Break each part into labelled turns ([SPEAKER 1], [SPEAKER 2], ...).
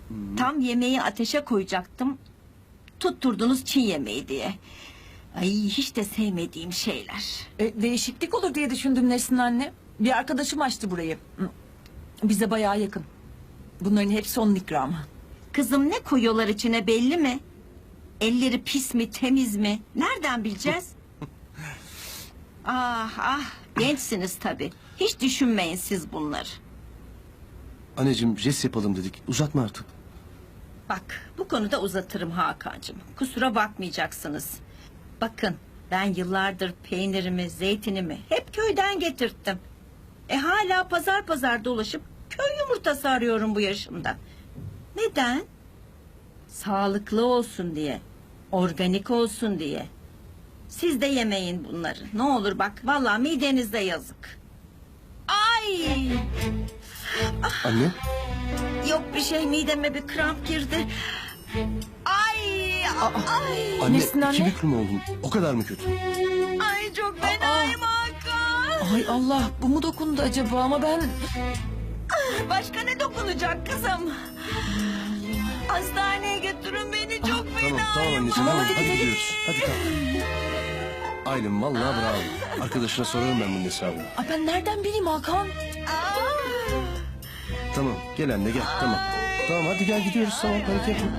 [SPEAKER 1] Tam yemeği ateşe koyacaktım. Tutturdunuz Çin yemeği diye. Ay hiç de sevmediğim şeyler.
[SPEAKER 2] Değişiklik olur diye düşündüm Nesrin anne. Bir arkadaşım açtı burayı. Bize bayağı yakın. Bunların hepsi onun ikramı.
[SPEAKER 1] Kızım ne koyuyorlar içine belli mi? Elleri pis mi temiz mi? Nereden bileceğiz? Ah gençsiniz tabii. Hiç düşünmeyin siz bunları.
[SPEAKER 3] Anneciğim jest yapalım dedik. Uzatma artık.
[SPEAKER 1] Bak bu konuda uzatırım Hakan'cığım. Kusura bakmayacaksınız. Bakın ben yıllardır peynirimi, zeytinimi hep köyden getirttim. Hala pazar pazar dolaşıp köy yumurtası arıyorum bu yaşımda. Neden? Sağlıklı olsun diye. Organik olsun diye. Siz de yemeyin bunları. Ne olur bak vallahi midenizde yazık. Ay!
[SPEAKER 3] Anne.
[SPEAKER 1] Yok bir şey mideme bir kramp girdi. Ay! Ay!
[SPEAKER 3] Anne
[SPEAKER 2] Nesrin anne?
[SPEAKER 3] iki büklüm oldun. O kadar mı kötü?
[SPEAKER 1] Ay çok fenayım Hakan.
[SPEAKER 2] Ay Allah, bu mu dokundu acaba ama ben...
[SPEAKER 1] Başka ne dokunacak kızım? Hastaneye götürün beni çok fenayım.
[SPEAKER 3] Tamam anneciğim tamam. Hadi gidiyoruz. Hadi kalk. Aylin vallahi bravo. Arkadaşına sorarım ben bunun hesabını.
[SPEAKER 2] Ay ben nereden bileyim Hakan?
[SPEAKER 3] Tamam gel anne gel tamam. Tamam hadi gel gidiyoruz tamam panik yapma.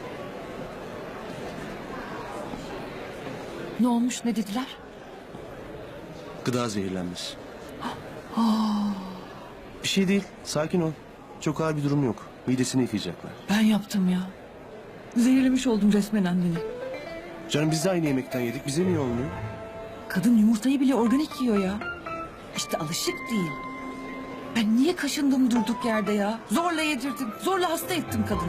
[SPEAKER 2] Ne olmuş, ne dediler?
[SPEAKER 3] Gıda zehirlenmesi. Bir şey değil sakin ol. Çok ağır bir durum yok. Midesini yıkayacaklar.
[SPEAKER 2] Ben yaptım ya. Zehirlemiş oldum resmen anneni.
[SPEAKER 3] Canım biz de aynı yemekten yedik. Bize niye olmuyor?
[SPEAKER 2] Kadın yumurtayı bile organik yiyor ya. İşte alışık değil. Ben niye kaşındım durduk yerde ya? Zorla yedirdim, zorla hasta ettim kadını.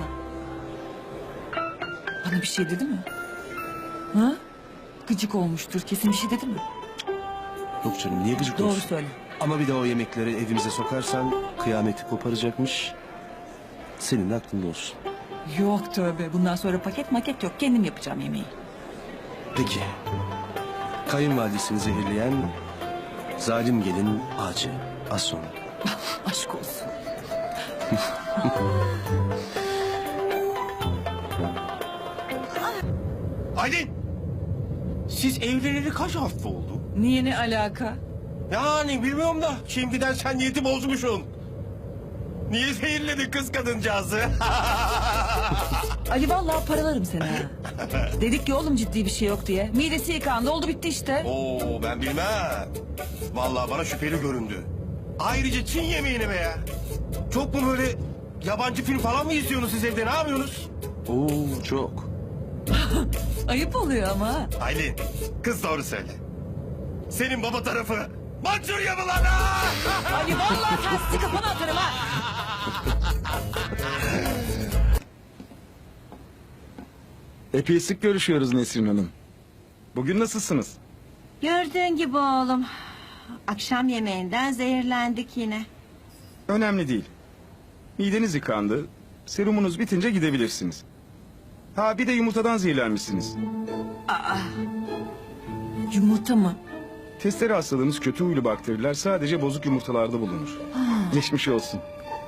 [SPEAKER 2] Bana bir şey dedi mi? Ha? Gıcık olmuştur, kesin bir şey dedi mi?
[SPEAKER 3] Yok canım niye gıcık
[SPEAKER 2] Doğru
[SPEAKER 3] olsun?
[SPEAKER 2] söyle.
[SPEAKER 3] Ama bir de o yemekleri evimize sokarsan kıyameti koparacakmış. Senin de aklında olsun.
[SPEAKER 2] Yok tövbe, bundan sonra paket maket yok. Kendim yapacağım yemeği.
[SPEAKER 3] Peki. Kayınvalidesini zehirleyen zalim gelin ağacı. Az sonra.
[SPEAKER 2] Aşk olsun.
[SPEAKER 4] Aylin! Siz evleneli kaç hafta oldu?
[SPEAKER 2] Niye, ne alaka?
[SPEAKER 4] Yani bilmiyorum da şimdiden sen niyeti bozmuşsun. Niye zehirledin kız kadıncağızı?
[SPEAKER 2] Ali vallahi paralarım seni ha. Dedik ki oğlum ciddi bir şey yok diye. Midesi yıkandı, oldu bitti işte.
[SPEAKER 4] Oo ben bilmem. Vallahi bana şüpheli göründü. Ayrıca Çin yemeğini be ya. Çok mu böyle yabancı film falan mı izliyorsunuz siz evde, ne yapıyorsunuz?
[SPEAKER 3] Oo çok.
[SPEAKER 2] Ayıp oluyor ama.
[SPEAKER 4] Aylin kız doğru söyle. Senin baba tarafı Mançurya mı lan ha?
[SPEAKER 2] Ali vallahi tersi kafana atarım ha.
[SPEAKER 5] Epey sık görüşüyoruz Nesrin Hanım. Bugün nasılsınız?
[SPEAKER 1] Gördüğün gibi oğlum. Akşam yemeğinden zehirlendik yine.
[SPEAKER 5] Önemli değil. Mideniz yıkandı. Serumunuz bitince gidebilirsiniz. Ha bir de yumurtadan zehirlenmişsiniz.
[SPEAKER 2] Yumurta mı?
[SPEAKER 5] Testere hastalığınız kötü huylu bakteriler sadece bozuk yumurtalarda bulunur. Geçmiş olsun.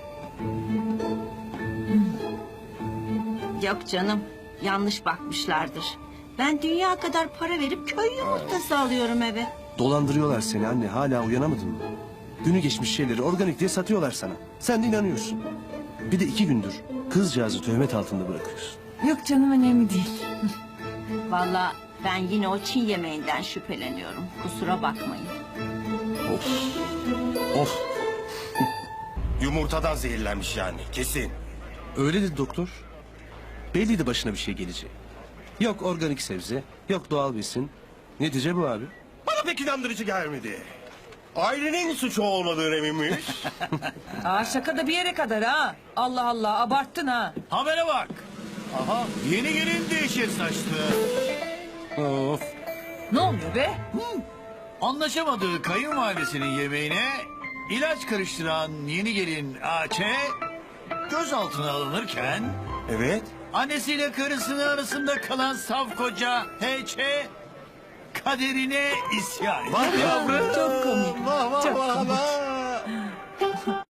[SPEAKER 1] Yok canım yanlış bakmışlardır. Ben dünya kadar para verip köy yumurtası alıyorum eve.
[SPEAKER 3] Dolandırıyorlar seni anne. Hala uyanamadın mı? Günü geçmiş şeyleri organik diye satıyorlar sana. Sen de inanıyorsun. Bir de 2 gündür kızcağızı töhmet altında bırakıyorsun.
[SPEAKER 2] Yok canım, önemli değil.
[SPEAKER 1] Vallahi ben yine o Çin yemeğinden şüpheleniyorum. Kusura bakmayın.
[SPEAKER 3] Of. Of.
[SPEAKER 4] Yumurtadan zehirlenmiş yani kesin.
[SPEAKER 3] Öyle dedi doktor. Belliydi başına bir şey geleceği. Yok organik sebze, yok doğal besin. Netice bu abi.
[SPEAKER 4] Bana pek inandırıcı gelmedi. Ailenin suçu olmadığını eminmiş.
[SPEAKER 2] Aa, şaka da bir yere kadar ha. Allah Allah, abarttın ha.
[SPEAKER 6] Habere bak. Aha yeni gelin de yeşil saçlı.
[SPEAKER 3] Of.
[SPEAKER 2] Ne oluyor be?
[SPEAKER 6] Anlaşamadığı kayınvalidesinin yemeğine ilaç karıştıran yeni gelin AÇ gözaltına alınırken
[SPEAKER 4] Evet.
[SPEAKER 6] annesiyle karısının arasında kalan saf koca HÇ kaderine isyan ediyor.
[SPEAKER 4] Bak yavrum.
[SPEAKER 2] Çok komik.
[SPEAKER 4] Vah vah
[SPEAKER 2] Çok
[SPEAKER 4] vah
[SPEAKER 2] komik.
[SPEAKER 4] vah.